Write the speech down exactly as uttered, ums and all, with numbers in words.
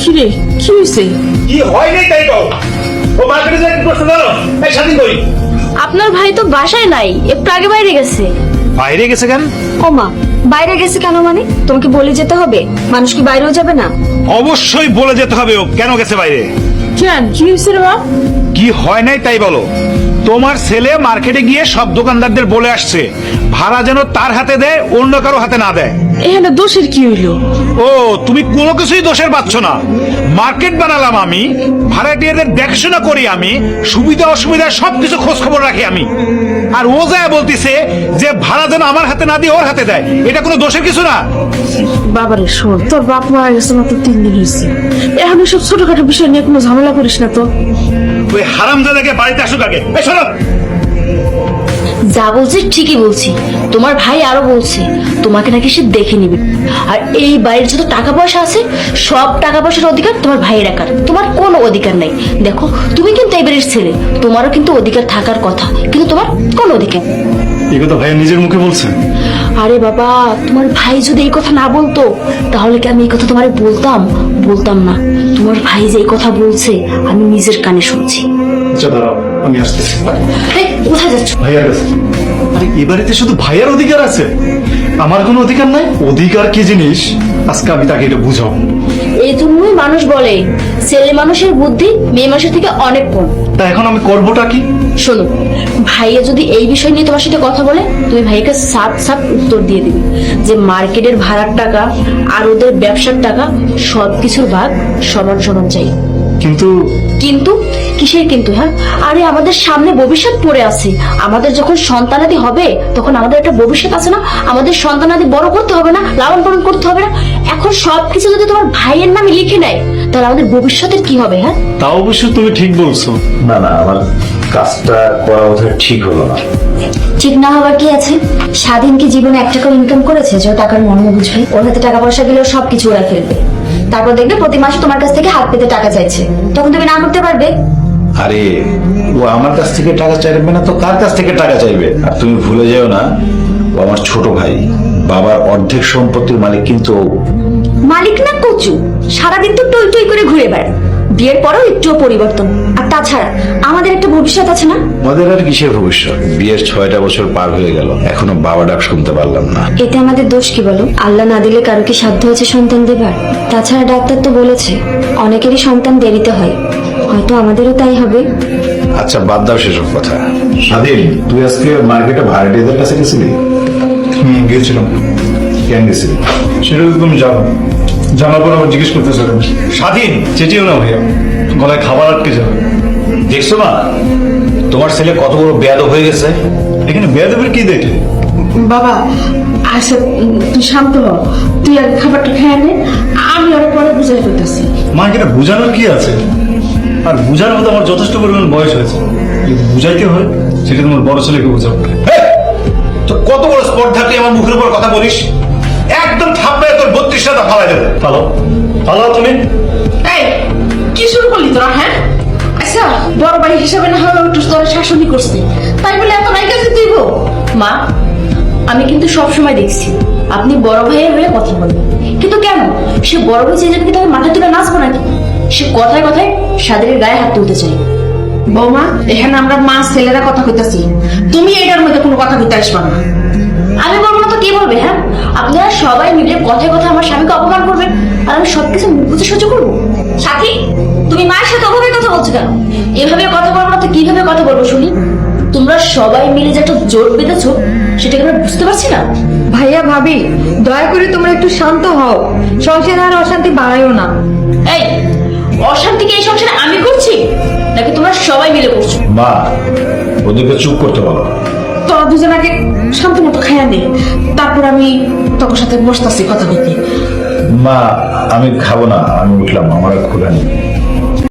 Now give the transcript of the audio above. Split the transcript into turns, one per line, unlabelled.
কি রে, কি হয়েছে?
কি হয় নাই তাই কও। ও মার্কেটে যাই করতে জানো? এই স্বাধীন করি।
আপনার ভাই তো বাসায় নাই, একটু আগে বাইরে গেছে।
বাইরে গেছে কেন?
ও মা, বাইরে গেছে কেন মানে? তোমাকে বলে যেতে হবে? মানুষ কি বাইরেও যাবে না?
অবশ্যই বলে যেতে হবে ও কেন গেছে বাইরে।
কেন, কি হয়েছে রে বাপ?
কি হয় নাই তাই বলো। তোমার ছেলে মার্কেটে গিয়ে সব দোকানদারদের বলে আসছে ভাড়া যেন তার হাতে দেয়, অন্য কারো হাতে না দেয়।
এখানে দোষের কি হইলো?
ও তুমি কোনো কিছুই দোষের পাচ্ছ না। মার্কেট বানালাম আমি, ভাড়াটিয়াদের দেখাশোনা করি আমি, সুবিধা অসুবিধা সবকিছু খোঁজ খবর রাখি আমি। আর ও যায় বলতিছে যে ভাড়া যেন আমার হাতে না দিয়ে ওর হাতে দেয়। এটা কোনো দোষের কিছু না।
বাবারে শোন, তোর বাপ মারা গেছে মাত্র তিন দিন হয়েছে। এখন সব ছোটখাটো বিষয় নিয়ে কোনো ঝামেলা করিস না তো।
ওই হারামজাদাকে বাড়িতে আসুক আগে। এই শোনো,
যা বলছি ঠিকই বলছি। তোমার ভাই আরো বলছে তোমাকে নাকি সে দেখে নিবে। আর এই বাড়ির যত টাকা পয়সা আছে সব টাকা পয়সার অধিকার তোমার ভাইয়ের একার, তোমার কোনো অধিকার নাই। দেখো তুমি কিন্তু এই বাড়ির ছেলে, তোমারও কিন্তু অধিকার থাকার কথা, কিন্তু তোমার কোনো অধিকার।
এই কথা ভাইয়া নিজের মুখে বলছে।
আরে বাবা, তোমার ভাই যদি এই কথা না বলতো তাহলে কি আমি এই কথা তোমারে বলতাম? বলতাম না। তোমার ভাই যে এই কথা বলছে আমি নিজের কানে শুনছি।
আচ্ছা দাঁড়াও, আমি আসতেছি।
এই, কোথায় যাচ্ছ?
ভাইয়ার কাছে। আরে এ বাড়িতে শুধু ভাইয়ার অধিকার আছে, আমার কোনো অধিকার নাই? অধিকার কি জিনিস আজকে আমি তাকে এটা বুঝাবো।
এই জন্যই মানুষ বলে ছেলে মানুষের বুদ্ধি মেয়ে মানুষের থেকে অনেক কম।
তা এখন আমি করবোটা কি?
শোনো, ভাইয়া যদি এই বিষয় নিয়ে তোমার সাথে কথা বলে তুমি ভাইকে সাপ সাপ উত্তর দিয়ে দিবে যে মার্কেটের ভাড়ার টাকা আর ওদের ব্যবসার টাকা সবকিছুর ভাগ সমান সমান চাই।
কিন্তু
কিন্তু কিসের কিন্তু? হ্যাঁ, আরে আমাদের সামনে ভবিষ্যৎ পড়ে আছে। আমাদের যখন সন্তানাদি হবে তখন আমাদের একটা ভবিষ্যৎ আছে না? আমাদের সন্তানাদি বড় করতে হবে না, লালন পালন করতে হবে না? এখন সবকিছু যদি তোমার ভাইয়ের নামে লিখে নেয় তাহলে আমাদের ভবিষ্যতের কি হবে? হ্যাঁ,
তা অবশ্য তুমি ঠিক বলছো।
না না, আমার কাজটা করা বোধহয় ঠিক হলো না।
ঠিক না হবার কি আছে? স্বাধীন কি জীবনে এক টাকা ইনকাম করেছে যে ও টাকার মর্ম বুঝবে? ওর হাতে টাকা পয়সা গেলেও সবকিছু ওরা ফেলবে। তারপর দেখবে প্রতি মাসে তোমার কাছ থেকে হাত পেতে টাকা চাইছে, তখন তুমি না করতে পারবে?
আরে ও আমার কাছ থেকে টাকা চাইবে না তো কার কাছ থেকে টাকা চাইবে? আর তুমি ভুলে যেও না, ও আমার ছোট ভাই। বাবার অর্ধেক সম্পত্তির মালিক কিন্তু ও।
মালিক না কচু, সারাদিন তো টই টই করে ঘুরে বেড়ায়। বিয়ের পরেও একটুও পরিবর্তন। আর তাছাড়া আমাদের একটা ভবিষ্যৎ আছে না?
আমাদের আর কিসের ভবিষ্যৎ? বিয়ের ছয়টা বছর পার হয়ে গেল, এখনো বাবা ডাক শুনতে পারলাম না।
এতে আমাদের দোষ কি বলো? আল্লাহ না দিলে কারো কি সাধ্য আছে সন্তান দেবার? তাছাড়া ডাক্তার তো বলেছে অনেকেরই সন্তান দেরিতে হয়, হয়তো আমাদেরও তাই হবে।
আচ্ছা বাদ দাও সেসব কথা। স্বাধীন, তুই আজকে মার্কেটে ভাড়াটিয়াদের কাছে গেছিলি?
হুম, গিয়েছিলাম।
কেন গেছিলি?
সেটা তো তুমি জানো। জানার পর আবার জিজ্ঞেস করতেছো কেন?
স্বাধীন,
চেটিও না ভাইয়া, গলায় খাবার আটকে যাবে।
দেখছো না তোমার ছেলে কত বড় বেয়াদব হয়ে গেছে?
এখানে বেয়াদবের কি দেখলে?
বাবা আচ্ছা, তুই শান্ত হ। তুই আগে খাবারটা খেয়ে নে, আমি ওরা পরে বুঝাই করতেছি।
মাকে এটা বোঝানোর কি আছে? আর বোঝানোর মতো আমার যথেষ্ট পরিমাণ বয়স হয়েছে। যদি বুঝাইতে হয় সেটা তোমার বড় ছেলেকে বোঝাবো।
তো কত বড় স্পর্ধা তুই আমার মুখের উপর কথা বলিস? একদম থাপড়ায় তোর বত্রিশটা ফালাই দেবো।
পালাও পালাও তুমি।
এই, কি শুরু করলি তোরা? হ্যাঁ, আচ্ছা বড় ভাই হিসাবে না হলেও একটু তোরা শাসনই করছি, তাই বলে এত রাইকা যে দিব?
মা, আমি কিন্তু সব সময় দেখছি আপনি বড় ভাইয়ের হয়ে কথা বলেন, কিন্তু কেন? সে বড় ভাই চেয়ে যাবে কি তাকে মাথায় তুলে নাচবো নাকি? সে কথায় কথায় স্বাধীনের গায়ে হাত তুলতে চাই।
বৌমা, এখানে আমরা মা ছেলেরা কথা কইতাছি, তুমি এটার মধ্যে কোনো কথা কইতে আসবা না।
আমি বলবো না তো কে বলবে? হ্যাঁ, আপনারা সবাই মিলে কথায় কথায় আমার স্বামীকে অপমান করবেন আর আমি সবকিছু মুখ বুঝে সহ্য করবো? সাথী, তুমি মায়ের সাথে ওভাবে কথা বলছো কেন? এভাবে কথা বলবো না তো কিভাবে কথা বলবো শুনি? তোমরা সবাই মিলে যে একটা জোট বেঁধেছো সেটাকে আমরা বুঝতে পারছি না।
ভাইয়া ভাবি, দয়া করে তোমরা একটু শান্ত হও, সংসারে আর অশান্তি বাড়াইও না।
এই অশান্তিকে এই সংসারে আমি করছি নাকি তোমরা সবাই মিলে করছো?
মা, ওদেরকে চুপ করতে বলো।
তোরা দুজন আগে শান্ত মতো খাইয়া নে, তারপর আমি তোর সাথে বসতাছি কথা বলতে।
মা, আমি খাবো না, আমি উঠলাম, আমার আর ক্ষুধা নেই।